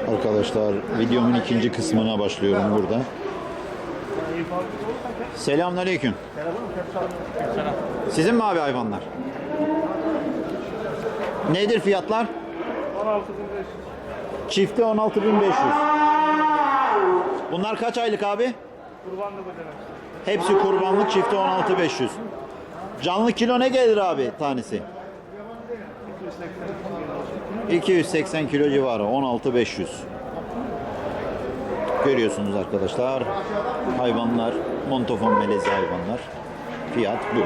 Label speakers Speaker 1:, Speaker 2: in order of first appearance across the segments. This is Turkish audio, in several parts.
Speaker 1: Arkadaşlar videomun ikinci kısmına başlıyorum burada. Selamünaleyküm. Sizin mi abi hayvanlar? Nedir fiyatlar?
Speaker 2: 16.500.
Speaker 1: Çifti 16.500. Bunlar kaç aylık abi?
Speaker 2: Kurbanlık ödemek.
Speaker 1: Hepsi kurbanlık, çifti 16.500. Canlı kilo ne gelir abi tanesi? 280 kilo civarı, 16.500. Görüyorsunuz arkadaşlar. Hayvanlar, montofon melezi hayvanlar. Fiyat bu.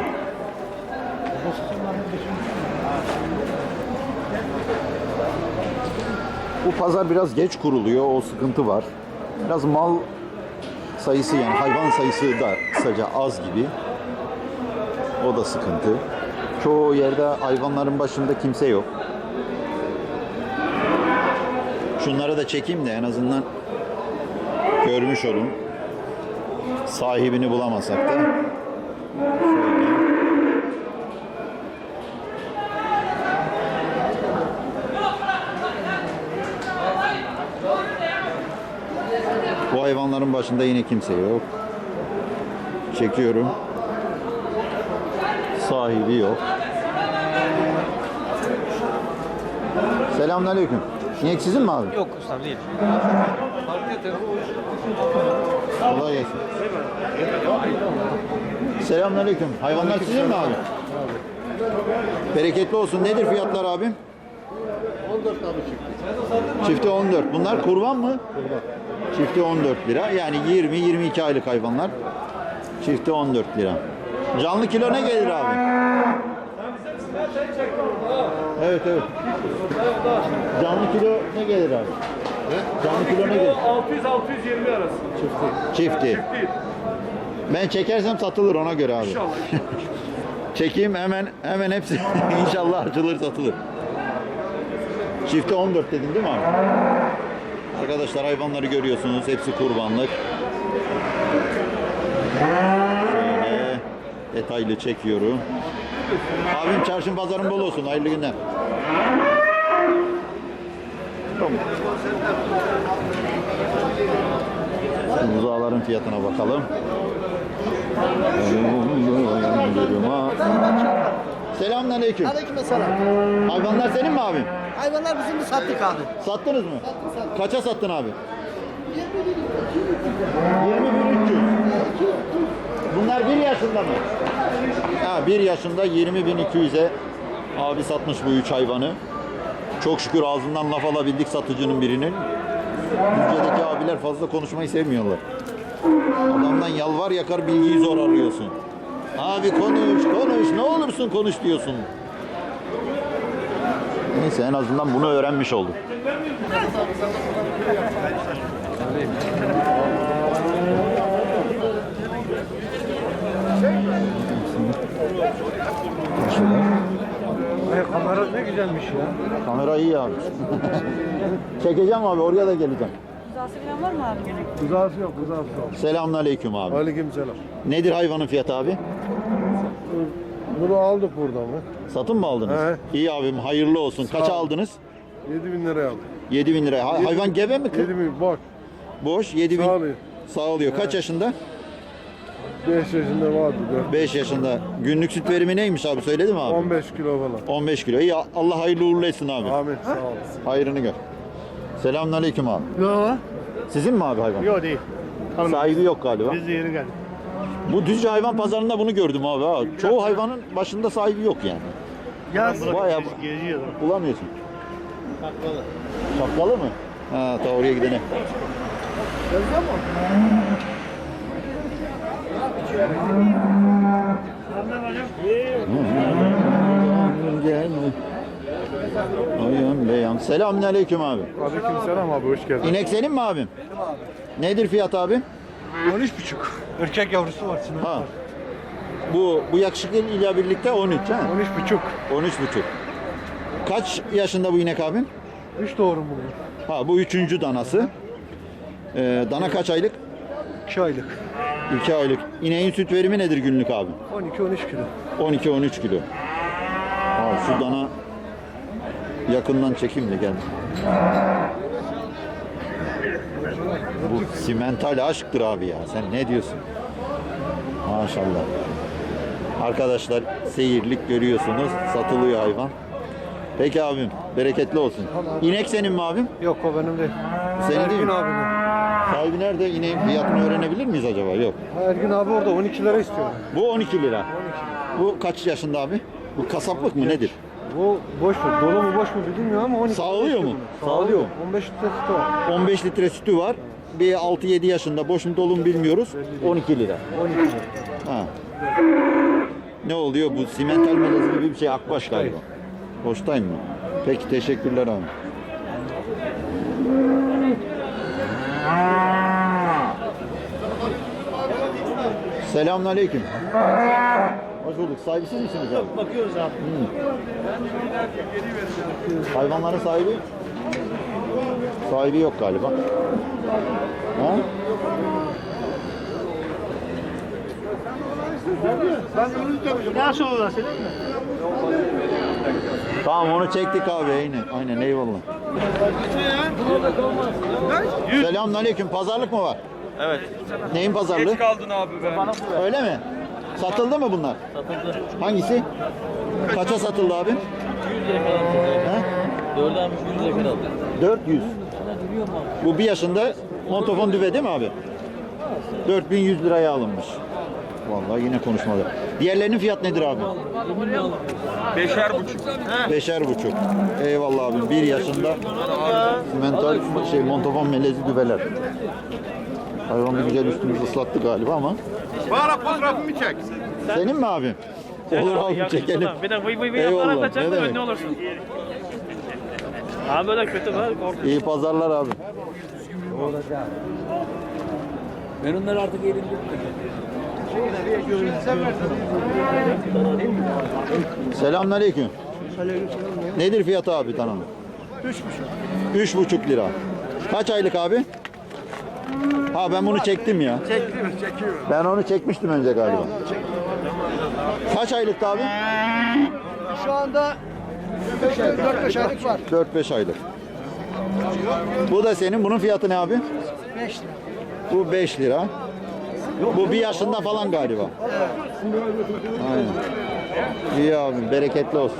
Speaker 1: Bu pazar biraz geç kuruluyor, o sıkıntı var. Biraz mal sayısı, yani hayvan sayısı da kısaca az gibi. O da sıkıntı. Çoğu yerde hayvanların başında kimse yok. Şunları da çekeyim de en azından görmüş olun. Sahibini bulamasak da. Şöyle. Bu hayvanların başında yine kimse yok. Çekiyorum. Sahibi yok. Selamünaleyküm. İnek sizin mi abi?
Speaker 3: Yok ustam değil.
Speaker 1: Kolay gelsin. Selamünaleyküm. Hayvanlar sizin mi abi? Bereketli olsun. Nedir fiyatlar abi?
Speaker 4: 14 abi çıktı.
Speaker 1: Çifti 14. Bunlar kurban mı?
Speaker 4: Kurban.
Speaker 1: Çifti 14 lira. Yani 20-22 aylık hayvanlar. Çifti 14 lira. Canlı kilo ne gelir abi? Evet evet. Canlı kilo ne gelir abi? Canlı kilo ne gelir?
Speaker 2: 600-620 arası.
Speaker 1: Çifti. Ben çekersem satılır ona göre abi.
Speaker 2: İnşallah.
Speaker 1: Çekeyim hemen hepsi inşallah açılır satılır. Çifti 14 dedin değil mi abi? Arkadaşlar hayvanları görüyorsunuz. Hepsi kurbanlık. Şöyle detaylı çekiyorum. Abim çarşın pazarın bol olsun. Hayırlı günler. Tamam. Buzağların fiyatına bakalım. Selamünaleyküm.
Speaker 5: Aleykümselam.
Speaker 1: Hayvanlar senin mi abim?
Speaker 5: Hayvanlar bizim de sattık abi.
Speaker 1: Sattınız mı?
Speaker 5: Sattık.
Speaker 1: Kaça sattın abi? 20.300. Bunlar 1 yaşında mı? Ha, 1 yaşında 20.200'e abi satmış bu 3 hayvanı. Çok şükür ağzından laf alabildik satıcının birinin. Ülkedeki abiler fazla konuşmayı sevmiyorlar. Adamdan yalvar yakar bilgiyi zor arıyorsun. Abi konuş ne olursun konuş diyorsun. Neyse en azından bunu öğrenmiş olduk.
Speaker 2: Kamera ne güzelmiş ya.
Speaker 1: Kamera iyi abi. Çekeceğim abi, oraya da geleceğim.
Speaker 6: Rızası falan var mı abi?
Speaker 2: Rızası yok, rızası yok.
Speaker 1: Selamünaleyküm abi.
Speaker 4: Aleykümselam.
Speaker 1: Nedir hayvanın fiyatı abi?
Speaker 4: Bunu aldık buradan mı?
Speaker 1: Satın mı aldınız?
Speaker 4: He.
Speaker 1: İyi abim, hayırlı olsun. Kaça
Speaker 4: ol.
Speaker 1: aldınız?
Speaker 4: 7.000 liraya aldık.
Speaker 1: 7.000 liraya. Hayvan gebe mi?
Speaker 4: 7.000 bak.
Speaker 1: Boş. 7.000.
Speaker 4: Sağlıyor.
Speaker 1: Sağlıyor. Kaç yaşında?
Speaker 4: 5 yaşında vardı
Speaker 1: 5 yaşında. Günlük süt verimi neymiş abi? Söyledi mi abi?
Speaker 4: 15 kilo falan.
Speaker 1: 15 kilo. İyi, Allah hayırlı uğurlu etsin abi.
Speaker 4: Amin sağ olasın.
Speaker 1: Hayrını gör. Selamünaleyküm abi.
Speaker 2: Yok.
Speaker 1: Sizin mi abi hayvan?
Speaker 2: Yok değil.
Speaker 1: Sahibi yok galiba.
Speaker 2: Biz de yeni geldik.
Speaker 1: Bu Düzce hayvan pazarında bunu gördüm abi. Ha. Çoğu hayvanın başında sahibi yok yani. Bayağı
Speaker 2: Geziyor.
Speaker 1: bulamıyorsun. Şapkalı mı? Ha, ta oraya gidene. Ayağım beyan. Selamünaleyküm abi.
Speaker 4: Aleykümselam abi hoş geldin.
Speaker 1: İnek senin mi abim? Nedir fiyat abi?
Speaker 2: 13,5. Erkek yavrusu var.
Speaker 1: Ha. Bu yakışıklı ile birlikte 13 ha?
Speaker 2: 13,5.
Speaker 1: 13,5. Kaç yaşında bu inek abim?
Speaker 2: 3 doğru bunu.
Speaker 1: Ha, bu 3. danası. Dana kaç aylık?
Speaker 2: 2 aylık.
Speaker 1: 2 aylık. İneğin süt verimi nedir günlük abi?
Speaker 2: 12-13 kilo.
Speaker 1: 12-13 kilo. Abi şu dana yakından çekeyim de gel. Simental aşktır abi ya. Sen ne diyorsun? Maşallah. Arkadaşlar seyirlik görüyorsunuz. Satılıyor hayvan. Peki abim. Bereketli olsun. İnek senin mi abim?
Speaker 2: Yok o benim değil.
Speaker 1: Senin değil
Speaker 2: Ergün
Speaker 1: mi?
Speaker 2: abinin.
Speaker 1: Sahibi nerede? İneğin fiyatını öğrenebilir miyiz acaba? Yok.
Speaker 2: Ergün abi orada 12 lira istiyor.
Speaker 1: Bu 12 lira. Bu kaç yaşında abi? Bu kasaplık mı nedir?
Speaker 2: Bu boş mu? Dolu mu boş mu bilmiyorum ama 12
Speaker 1: Sağlıyor
Speaker 2: lira
Speaker 1: mu?
Speaker 2: istiyor bunu.
Speaker 1: Sağlıyor.
Speaker 2: 15 litre sütü var.
Speaker 1: 15 litre sütü var. Bir 6-7 yaşında. Boş mu dolu mu bilmiyoruz. 12 lira.
Speaker 2: 12 lira.
Speaker 1: Ha. Ne oluyor? Bu simental melez gibi bir şey. Akbaş galiba. Hoştayım mı? Peki teşekkürler abi. Selamünaleyküm. Hoş bulduk. Sahibisiz misiniz abi?
Speaker 5: Bakıyoruz abi.
Speaker 1: Hayvanların sahibi? Sahibi yok galiba. Ha?
Speaker 5: Nasıl olur senin?
Speaker 1: Tamam onu çektik abi. Aynen eyvallah. Selamünaleyküm. Pazarlık mı var?
Speaker 3: Evet.
Speaker 1: Neyin pazarlığı?
Speaker 3: Geç kaldın abi be.
Speaker 1: Öyle mi? Satıldı mı bunlar?
Speaker 3: Satıldı.
Speaker 1: Hangisi? Kaça satıldı abi?
Speaker 3: 100 lira kadar aldı.
Speaker 1: He?
Speaker 3: 4 almış 100 lira kadar aldı.
Speaker 1: 400.
Speaker 3: Sana duruyor mu abi?
Speaker 1: Bu bir yaşında montofon düve değil mi abi? 4100 liraya alınmış. Vallahi yine konuşmadı. Diğerlerinin fiyat nedir abi?
Speaker 3: 5'er buçuk.
Speaker 1: 5'er buçuk. Eyvallah abim. 1 yaşında mental montofon melezi düveler. Hayvan bir güzel üstümüzü ıslattı galiba ama.
Speaker 4: Bana fotoğrafımı çek.
Speaker 1: Senin mi abim? Olur abi çekelim.
Speaker 6: Bir de vıy vıy vıy
Speaker 1: Eyvallah,
Speaker 6: yaparak da
Speaker 1: ne
Speaker 6: çekme
Speaker 1: demek?
Speaker 6: ne olursun. Abi böyle kötü var korkunç.
Speaker 1: İyi pazarlar abi.
Speaker 3: Ben onları artık elimde.
Speaker 1: Selamünaleyküm. Nedir fiyatı abi tanımı? 3,5 lira. Kaç aylık abi? Ha ben bunu çektim ya.
Speaker 5: Çekiyorum.
Speaker 1: Ben onu çekmiştim önce galiba. Kaç aylıktı abi?
Speaker 5: Şu anda 4-5 aylık var.
Speaker 1: 4-5 aylık. Bu da senin. Bunun fiyatı ne abi?
Speaker 5: 5 lira.
Speaker 1: Bu 5 lira. Bu 1 yaşında falan galiba. Aynen. İyi abi, bereketli olsun.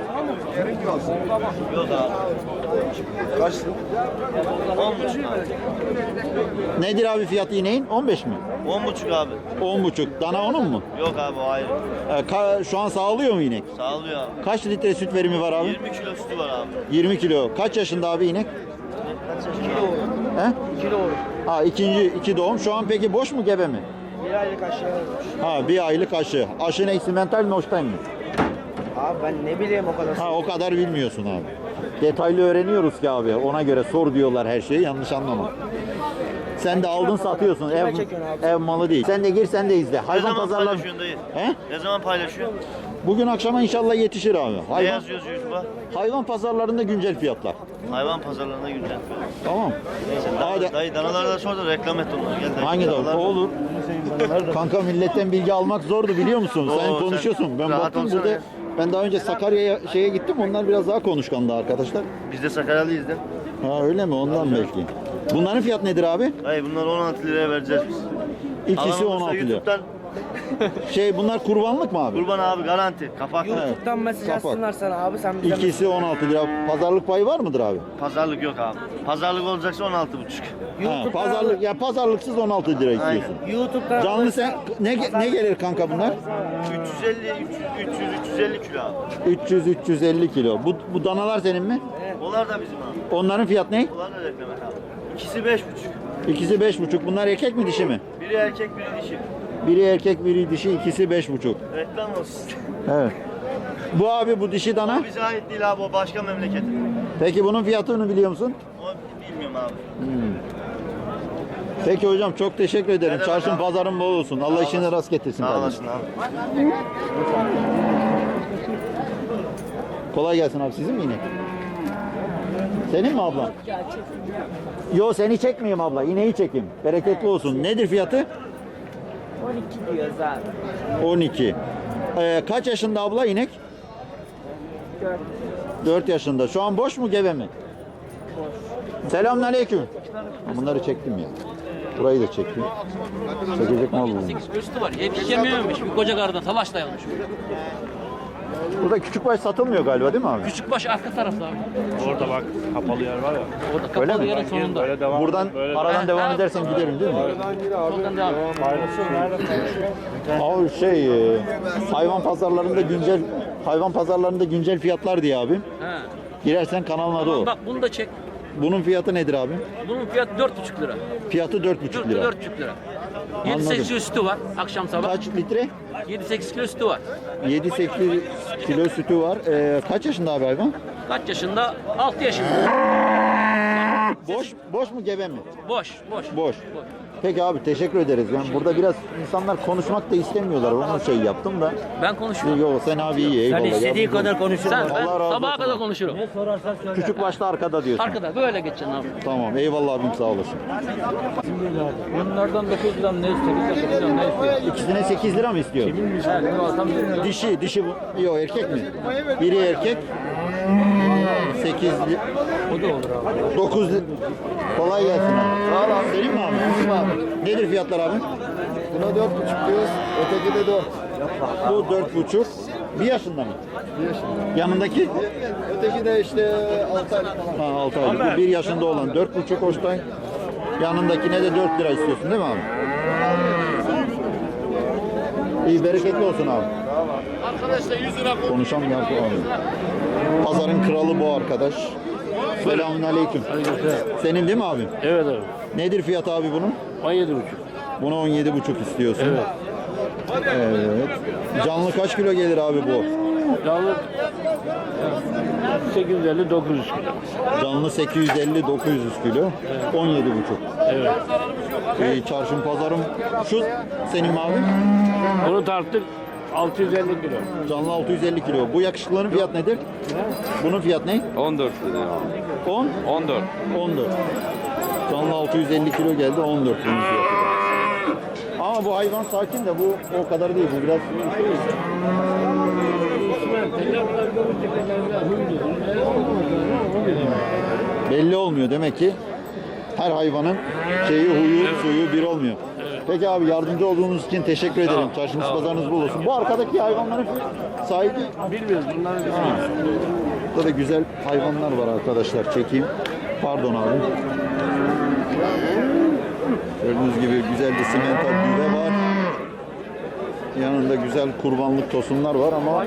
Speaker 1: Nedir abi fiyatı ineğin? 15 mi?
Speaker 7: 10,5 abi.
Speaker 1: 10,5. Dana onun mu?
Speaker 7: Yok abi o ayrı.
Speaker 1: Şu an sağlıyor mu inek?
Speaker 7: Sağlıyor abi.
Speaker 1: Kaç litre süt verimi var abi?
Speaker 7: 20 kilo sütü var abi.
Speaker 1: 20 kilo. Kaç yaşında abi inek? He?
Speaker 5: 2 doğru.
Speaker 1: Ha iki doğum. Şu an peki boş mu gebe mi?
Speaker 5: 1 aylık aşağı olmuş.
Speaker 1: Ha 1 aylık aşı. Aşı ne? Simental mi Holstein mi?
Speaker 5: Abi ben ne bileyim o kadar.
Speaker 1: Ha o kadar bilmiyorsun abi. Detaylı öğreniyoruz ki abi. Ona göre sor diyorlar her şeyi. Yanlış anlama. Sen de aldın satıyorsun. Ev malı değil. Sen de gir sen de izle.
Speaker 7: Ne
Speaker 1: Hayvan
Speaker 7: zaman
Speaker 1: pazarlar.
Speaker 7: paylaşıyorsun dayı?
Speaker 1: He?
Speaker 7: Ne zaman paylaşıyorsun?
Speaker 1: Bugün akşama inşallah yetişir abi.
Speaker 7: Ne
Speaker 1: Hayvan,
Speaker 7: yazıyoruz YouTube'a?
Speaker 1: hayvan pazarlarında güncel fiyatlar.
Speaker 7: Hayvan pazarlarına güncel.
Speaker 1: Tamam.
Speaker 7: Neyse
Speaker 1: Hadi.
Speaker 7: dayı danaları da sor da reklam et onları. Gel dayı.
Speaker 1: Hangi
Speaker 7: Danalar-
Speaker 1: da olur? Kanka milletten bilgi almak zordu biliyor musun? Sen
Speaker 7: Oo, sen
Speaker 1: konuşuyorsun. Ben
Speaker 7: rahat
Speaker 1: baktım
Speaker 7: olsana
Speaker 1: burada.
Speaker 7: ya.
Speaker 1: Ben daha önce Sakarya'ya gittim. Onlar biraz daha konuşkandı arkadaşlar.
Speaker 7: Biz de Sakaryalıyız de.
Speaker 1: Ha öyle mi? Ondan belki. Bunların fiyat nedir abi?
Speaker 7: Dayı bunları 16 liraya vereceğiz biz.
Speaker 1: İkisi
Speaker 7: Alan olursa
Speaker 1: 16 lira.
Speaker 7: YouTube'dan
Speaker 1: Bunlar kurbanlık mı abi?
Speaker 7: kurban abi garanti. Kapaklı.
Speaker 5: YouTube'dan mesaj
Speaker 1: Kapat.
Speaker 5: atsınlar sana abi sen bize
Speaker 1: İkisi 16 lira. Pazarlık payı var mıdır abi?
Speaker 7: Pazarlık yok abi. Pazarlık olacaksa 16,5.
Speaker 1: Ha, pazarlıksız 16 lira istiyorsun.
Speaker 5: YouTube'da
Speaker 1: Canlı sen ne gelir kanka bunlar?
Speaker 7: 350 kilo abi.
Speaker 1: 350 kilo. Bu danalar senin mi?
Speaker 7: Onlar da bizim abi.
Speaker 1: Onların fiyat ne?
Speaker 7: Onlar da reklam et abi. İkisi 5,5.
Speaker 1: İkisi 5,5. Bunlar erkek mi dişi mi?
Speaker 7: Biri erkek biri dişi.
Speaker 1: Biri erkek, biri dişi, ikisi 5,5.
Speaker 7: Reklam olsun.
Speaker 1: Evet. Bu dişi dana.
Speaker 7: O bize ait değil abi o başka memleketin.
Speaker 1: Peki bunun fiyatını biliyor musun?
Speaker 7: O bilmiyorum abi.
Speaker 1: Peki hocam çok teşekkür ederim.
Speaker 7: Ne demek
Speaker 1: Çarşın
Speaker 7: abi?
Speaker 1: pazarın bol olsun. Allah işini rast getirsin
Speaker 7: Sağ
Speaker 1: kardeşim.
Speaker 7: olasın abi.
Speaker 1: Kolay gelsin abi. Sizin mi inek? Senin mi abla? Yo seni çekmeyeyim abla. İneği çekeyim. Bereketli olsun. Nedir fiyatı?
Speaker 5: 12 diyoruz abi.
Speaker 1: 12. Kaç yaşında abla inek? 4 yaşında. Şu an boş mu gebe mi? Boş. Selamünaleyküm. Bunları çektim ya. Burayı da çekeyim. Çekecek mal bu.
Speaker 3: 8 üstü var. Yetişememiş. Bir koca kardan talaş dayanmış.
Speaker 1: Burada küçükbaş satılmıyor galiba değil mi abi?
Speaker 3: Küçükbaş arka tarafta abi.
Speaker 6: Orada bak kapalı yer var ya.
Speaker 3: Orada
Speaker 1: Öyle
Speaker 3: kapalı
Speaker 1: mi?
Speaker 3: yerin sonunda.
Speaker 6: Böyle devam.
Speaker 1: Buradan aradan devam edersen giderim değil mi?
Speaker 3: Oradan devam.
Speaker 1: Abi hayvan pazarlarında güncel fiyatlar diye abi.
Speaker 3: He.
Speaker 1: Girersen kanalın adı o.
Speaker 3: Bak bunu da çek.
Speaker 1: Bunun fiyatı nedir abi?
Speaker 3: Bunun fiyatı 4,5 lira.
Speaker 1: Fiyatı 4,5 lira.
Speaker 3: 4,5 lira. 7-8 kilo sütü var akşam sabah.
Speaker 1: Kaç litre?
Speaker 3: 7-8 kilo sütü var.
Speaker 1: 7-8 kilo sütü var. Kaç yaşında abi hayvan?
Speaker 3: Kaç yaşında? 6 yaşında.
Speaker 1: Boş mu gebe mi?
Speaker 3: Boş.
Speaker 1: Boş. Peki abi teşekkür ederiz. Yani burada biraz insanlar konuşmak da istemiyorlar. Onun şey yaptım da.
Speaker 3: Ben konuşurum.
Speaker 1: Yok sen abi iyi eyvallah.
Speaker 5: Sen istediği
Speaker 1: Yardımcı
Speaker 5: kadar
Speaker 1: ol.
Speaker 5: konuşursun.
Speaker 3: Sen ben
Speaker 1: Allah razı
Speaker 3: sabaha
Speaker 1: olsun
Speaker 3: kadar
Speaker 1: abi.
Speaker 3: konuşurum.
Speaker 1: Küçük başta arkada diyorsun.
Speaker 3: Arkada böyle geçeceksin abi.
Speaker 1: Tamam eyvallah abim sağ olasın.
Speaker 3: Bunlardan 9 lira ne istiyor? 8 lira ne istiyor?
Speaker 1: İkisine 8 lira mı istiyor? Dişi bu. Yok erkek mi? Biri erkek. 8
Speaker 3: O da olur abi.
Speaker 1: 9 kolay gelsin abi. Sağ ol abi. Senin mi abi? Abi. Nedir fiyatlar abi?
Speaker 2: Buna 4,5 diyoruz. Öteki de 4.
Speaker 1: Bu 4,5. 1 yaşında mı?
Speaker 2: 1 yaşında.
Speaker 1: Yanındaki?
Speaker 2: Öteki de işte 6 aylık falan.
Speaker 1: Ha 6 aylık. Bu 1 yaşında olan 4,5 Holstein. Yanındakine de 4 lira istiyorsun değil mi abi? İyi bereketli olsun abi.
Speaker 4: Arkadaşlar 100 lira
Speaker 1: Konuşamıyor abi. Pazarın kralı bu arkadaş. Selamünaleyküm. Senin değil mi abi?
Speaker 6: Evet abi.
Speaker 1: Nedir fiyat abi bunun?
Speaker 6: 17,5.
Speaker 1: Bunu 17,5 istiyorsun. Evet. Evet. Canlı kaç kilo gelir abi bu?
Speaker 6: Canlı 850-900 kilo.
Speaker 1: Canlı 850-900 kilo. 17,5.
Speaker 6: Evet.
Speaker 1: Çarşım pazarım. Şu senin mi abi?
Speaker 6: Bunu tarttık 650 kilo.
Speaker 1: Canlı 650 kilo. Bu yakışıklıların fiyat nedir? Bunun fiyat ne?
Speaker 8: 14 dedi ya.
Speaker 1: 10?
Speaker 8: 14.
Speaker 1: 14. Canlı 650 kilo geldi 14 bunun fiyatı. Ama bu hayvan sakin de bu o kadar değil. Bu biraz belli olmuyor demek ki her hayvanın huyu, suyu bir olmuyor. Peki abi yardımcı olduğunuz için teşekkür ederim. Çarşınız pazarınız bol olsun. Bu arkadaki hayvanların sahibi
Speaker 6: Bilmiyoruz bunları bilmiyoruz.
Speaker 1: burada da güzel hayvanlar var arkadaşlar. Çekeyim. Pardon abi. Gördüğünüz gibi güzel bir simental düve var. Yanında güzel kurbanlık tosunlar var ama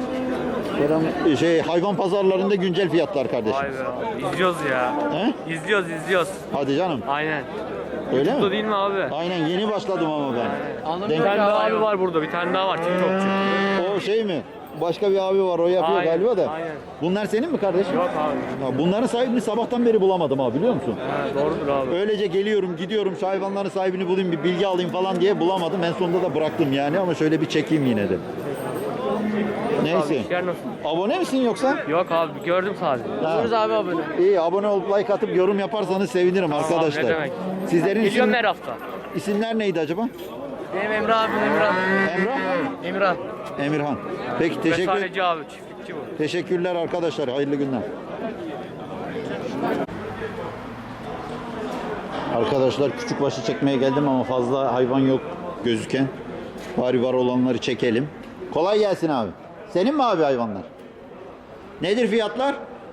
Speaker 1: hayvan pazarlarında güncel fiyatlar kardeşim.
Speaker 9: Vay be abi. İzliyoruz ya.
Speaker 1: He?
Speaker 9: İzliyoruz.
Speaker 1: Hadi canım.
Speaker 9: Aynen.
Speaker 1: Öyle
Speaker 9: Bu
Speaker 1: mi?
Speaker 9: değil mi abi?
Speaker 1: Aynen yeni başladım ama ben.
Speaker 9: Bir tane daha abi var burada. Bir tane daha var. TikTokçu.
Speaker 1: O şey mi? Başka bir abi var o yapıyor
Speaker 9: Aynen,
Speaker 1: galiba da.
Speaker 9: aynen.
Speaker 1: Bunlar senin mi kardeşim?
Speaker 9: Yok abi.
Speaker 1: Ya bunların sahibini sabahtan beri bulamadım abi biliyor musun?
Speaker 9: He, doğrudur abi.
Speaker 1: Öylece geliyorum gidiyorum şu hayvanların sahibini bulayım bir bilgi alayım falan diye bulamadım. En sonunda da bıraktım yani ama şöyle bir çekeyim yine de.
Speaker 9: Abi
Speaker 1: Neyse.
Speaker 9: işler nasıl?
Speaker 1: Abone misin yoksa?
Speaker 9: Yok abi gördüm sadece.
Speaker 3: Oluruz abi abone.
Speaker 1: İyi abone olup like atıp yorum yaparsanız sevinirim arkadaşlar.
Speaker 9: ne demek.
Speaker 1: Sizlerin
Speaker 9: Geliyorum her hafta.
Speaker 1: isimler neydi acaba?
Speaker 9: Benim Emre abim Emirhan.
Speaker 1: Emrah? Emirhan. Peki
Speaker 9: Vesaireci abi. Çiftlikçi bu.
Speaker 1: teşekkürler arkadaşlar. Hayırlı günler. Arkadaşlar küçükbaşı çekmeye geldim ama fazla hayvan yok gözüken. Bari var olanları çekelim. Kolay gelsin abi. Senin mi abi hayvanlar? Nedir fiyatlar?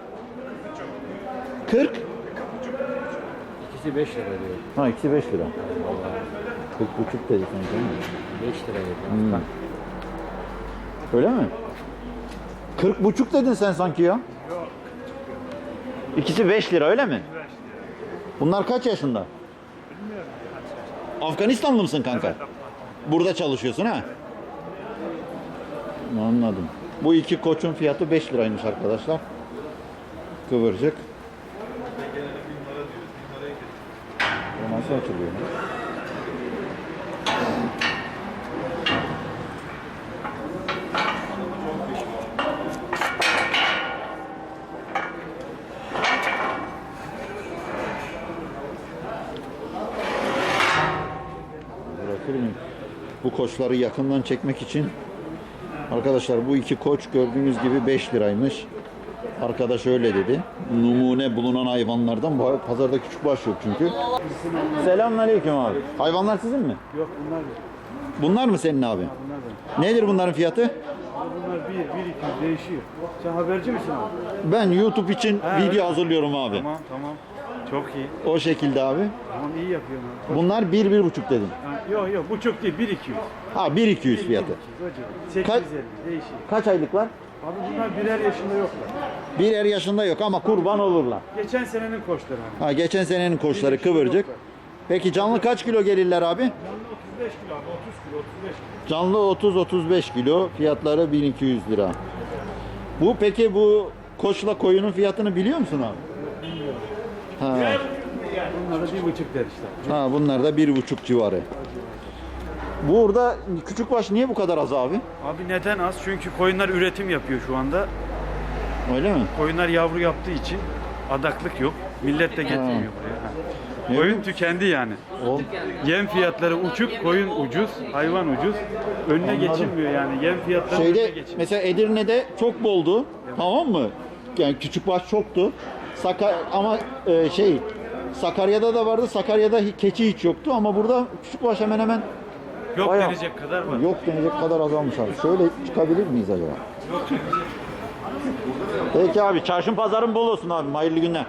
Speaker 1: 40.
Speaker 3: İkisi 5 lira diyor.
Speaker 1: Ha ikisi 5 lira. 40,5 dedi sen değil mi?
Speaker 3: 5 lira diyor.
Speaker 1: Öyle mi? 40,5 dedin sen sanki ya. İkisi 5 lira öyle mi? Bunlar kaç yaşında? Afganistanlı mısın kanka? Burada çalışıyorsun ha? Anladım. Bu iki koçun fiyatı 5 liraymış arkadaşlar. Kıvırcık. Bu nasıl açılıyor? Bırakır mıyım? Bu koçları yakından çekmek için arkadaşlar bu iki koç gördüğünüz gibi 5 liraymış. Arkadaş öyle dedi. Numune bulunan hayvanlardan bu pazarda küçükbaş yok çünkü. Selamünaleyküm abi. Hayvanlar sizin mi?
Speaker 2: Yok bunlar yok.
Speaker 1: Bunlar mı senin abi? Nedir bunların fiyatı?
Speaker 2: Bunlar 1, 200 değişiyor. Sen haberci misin abi?
Speaker 1: Ben YouTube için video hazırlıyorum abi.
Speaker 2: Tamam. Çok iyi.
Speaker 1: O şekilde abi.
Speaker 2: Tamam iyi yapıyorsun abi.
Speaker 1: Bunlar 1-1,5 dedim.
Speaker 2: Yok buçuk değil 1, 200.
Speaker 1: Ha 1-200 fiyatı.
Speaker 2: 850 değişiyor.
Speaker 1: Kaç aylıklar?
Speaker 2: Abi bunlar birer yaşında yoklar.
Speaker 1: Birer yaşında yok ama kurban olurlar.
Speaker 2: Geçen senenin koçları abi.
Speaker 1: Ha geçen senenin koçları kıvırcık. Peki canlı kaç kilo gelirler abi?
Speaker 2: 35 kilo abi 30 kilo 35 kilo.
Speaker 1: Canlı 30-35 kilo. Fiyatları 1200 lira. Bu peki bu koçla koyunun fiyatını biliyor musun abi? Bilmiyorum. Ha.
Speaker 2: Bunlara 1,5 der işte.
Speaker 1: Ha bunlar da 1,5 civarı. Burada küçükbaş niye bu kadar az abi?
Speaker 2: Abi neden az? Çünkü koyunlar üretim yapıyor şu anda.
Speaker 1: Öyle mi?
Speaker 2: Koyunlar yavru yaptığı için adaklık yok. Millet de getirmiyor buraya.
Speaker 1: Ne
Speaker 2: Koyun
Speaker 1: bu?
Speaker 2: tükendi yani.
Speaker 1: O,
Speaker 2: Yem fiyatları uçuk, koyun ucuz, hayvan ucuz. Önüne geçilmiyor yani. Yem fiyatları önüne
Speaker 1: şeyde
Speaker 2: geçilmiyor.
Speaker 1: mesela Edirne'de çok boldu. Tamam mı? Yani küçükbaş çoktu. Ama Sakarya'da da vardı. Sakarya'da keçi hiç yoktu ama burada küçükbaş hemen hemen
Speaker 2: Yok
Speaker 1: bayağı-
Speaker 2: denecek kadar var.
Speaker 1: yok denecek kadar azalmış abi. Şöyle çıkabilir miyiz acaba? Peki abi çarşın pazarın bol olsun abi. Hayırlı günler.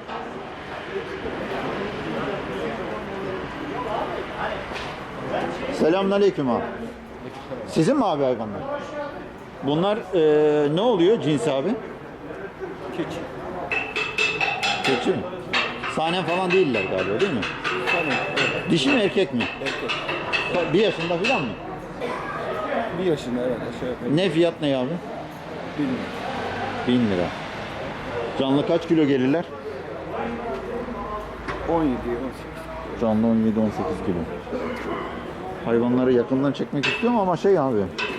Speaker 1: Selamünaleyküm abi. Sizin mi abi hayvanlar? Bunlar ne oluyor cinsi abi? Keçi. Keçi mi? Sahnen falan değiller galiba değil mi? Dişi mi erkek mi? Erkek. 1 yaşında falan mı?
Speaker 2: 1 yaşında evet aşağı yukarı.
Speaker 1: Ne fiyat ne abi? 1000 lira. Canlı kaç kilo gelirler?
Speaker 2: 17, 18.
Speaker 1: Canlı 17-18 kilo. Hayvanları yakından çekmek istiyorum ama şey abi.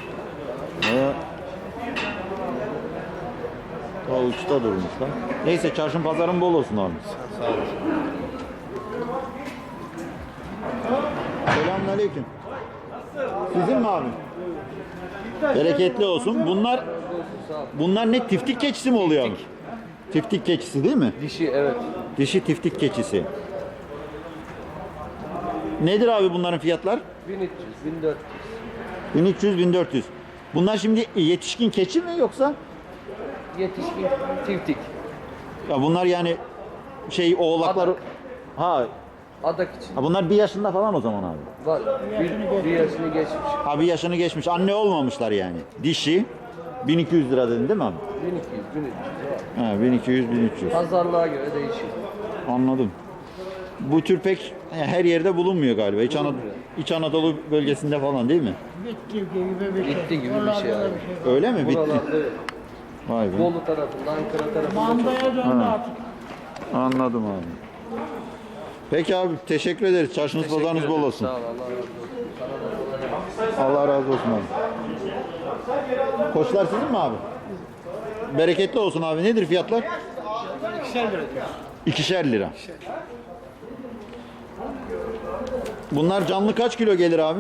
Speaker 1: O uçta durmuşlar. Neyse çarşın pazarın bol olsun abi.
Speaker 2: Sağ olasın.
Speaker 1: Selamünaleyküm. Sizin mi abi? Bereketli olsun. Bunlar ne tiftik keçisi mi oluyor abi? Tiftik keçisi değil mi?
Speaker 3: Dişi evet.
Speaker 1: Dişi tiftik keçisi. Nedir abi bunların fiyatlar?
Speaker 3: 1300, 1400.
Speaker 1: 1300-1400. Bunlar şimdi yetişkin keçi mi yoksa?
Speaker 3: Yetişkin tiftik.
Speaker 1: Ya bunlar yani oğlaklar.
Speaker 3: Adak.
Speaker 1: Ha,
Speaker 3: Adak için.
Speaker 1: ha bunlar 1 yaşında falan o zaman abi.
Speaker 3: Var. Bir yaşını geçmiş.
Speaker 1: Ha 1 yaşını geçmiş. Anne olmamışlar yani. Dişi 1200 lira dedin değil mi abi?
Speaker 3: 1200, 1300 var.
Speaker 1: Ha 1200-1300.
Speaker 3: Pazarlığa göre değişiyor.
Speaker 1: Anladım. Bu tür pek her yerde bulunmuyor galiba. İç Anadolu bölgesinde falan değil mi?
Speaker 3: Bitti gibi bir şey abi.
Speaker 1: Öyle mi? Bitti.
Speaker 3: Buralarda
Speaker 1: Vay be.
Speaker 3: Bolu tarafında, Ankara tarafında çok.
Speaker 1: Ha. Anladım abi. Peki abi teşekkür ederiz. Çarşınız pazarınız bol olsun.
Speaker 3: Sağ ol, Allah razı olsun. Sana da kolay gelsin.
Speaker 1: Allah razı olsun abi. Koçlar sizin mi abi? Bereketli olsun abi. Nedir fiyatlar? 2'şer lira. Bunlar canlı kaç kilo gelir abi?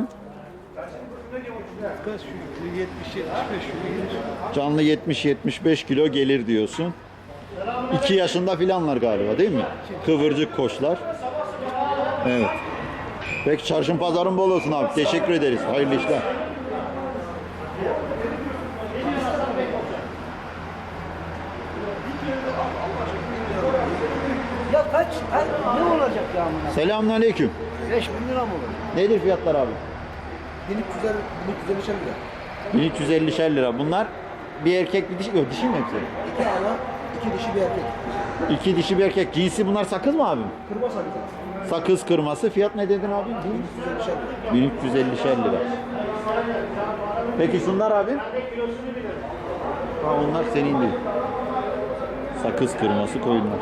Speaker 2: Kaç 70, 75
Speaker 1: Canlı 70-75 kilo gelir diyorsun. 2 yaşında filanlar galiba değil mi? Kıvırcık koçlar. Evet. Peki çarşın pazarın bol olsun abi. Teşekkür ederiz. Hayırlı işler.
Speaker 5: Ya kaç? Ne olacak ya amına?
Speaker 1: Selamünaleyküm.
Speaker 5: 5000 lira mı olur?
Speaker 1: Nedir fiyatlar abi?
Speaker 5: 1350 lira.
Speaker 1: 1350'şer lira. Bunlar bir erkek bir dişi. Yok dişi mi hepsi?
Speaker 5: 2 ana, 2 dişi bir erkek.
Speaker 1: 2 dişi bir erkek. Cinsi bunlar sakız mı abi?
Speaker 5: Kırma sakızı.
Speaker 1: Sakız kırması. Fiyat ne dedin abi?
Speaker 5: 1350 lira.
Speaker 1: 1350'şer lira. Peki şunlar abi? Ha, onlar senin değil. Sakız kırması koyunlar.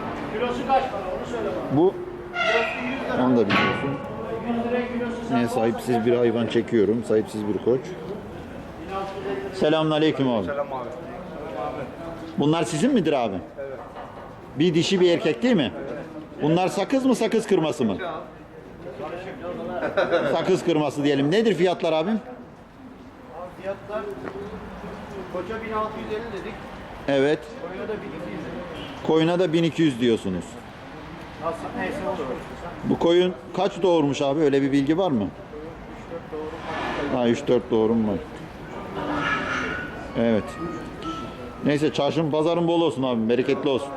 Speaker 1: Bu onu da biliyorsun. Ne sahipsiz bir hayvan çekiyorum. Sahipsiz bir koç. Selamünaleyküm abi.
Speaker 2: Selam abi.
Speaker 1: Bunlar sizin midir abi? Evet. Bir dişi bir erkek değil mi? Bunlar sakız mı sakız kırması mı? Sakız kırması diyelim. Nedir fiyatlar abim?
Speaker 7: Fiyatlar koça 1650 dedik.
Speaker 1: Evet. Koyuna da 1200 diyorsunuz. Bu koyun kaç doğurmuş abi? Öyle bir bilgi var mı? Ha 3-4 doğurum var. Evet. Neyse çarşın pazarın bol olsun abi. Bereketli olsun.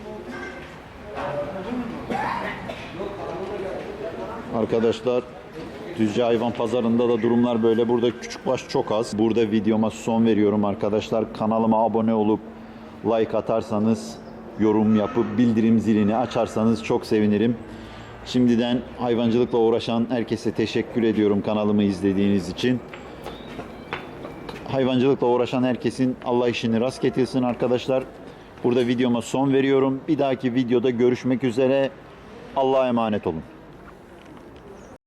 Speaker 1: Arkadaşlar Düzce Hayvan Pazarı'nda da durumlar böyle. Burada küçükbaş çok az. Burada videoma son veriyorum arkadaşlar. Kanalıma abone olup like atarsanız, yorum yapıp bildirim zilini açarsanız çok sevinirim. Şimdiden hayvancılıkla uğraşan herkese teşekkür ediyorum kanalımı izlediğiniz için. Hayvancılıkla uğraşan herkesin Allah işini rast getirsin arkadaşlar. Burada videoma son veriyorum. Bir dahaki videoda görüşmek üzere. Allah'a emanet olun.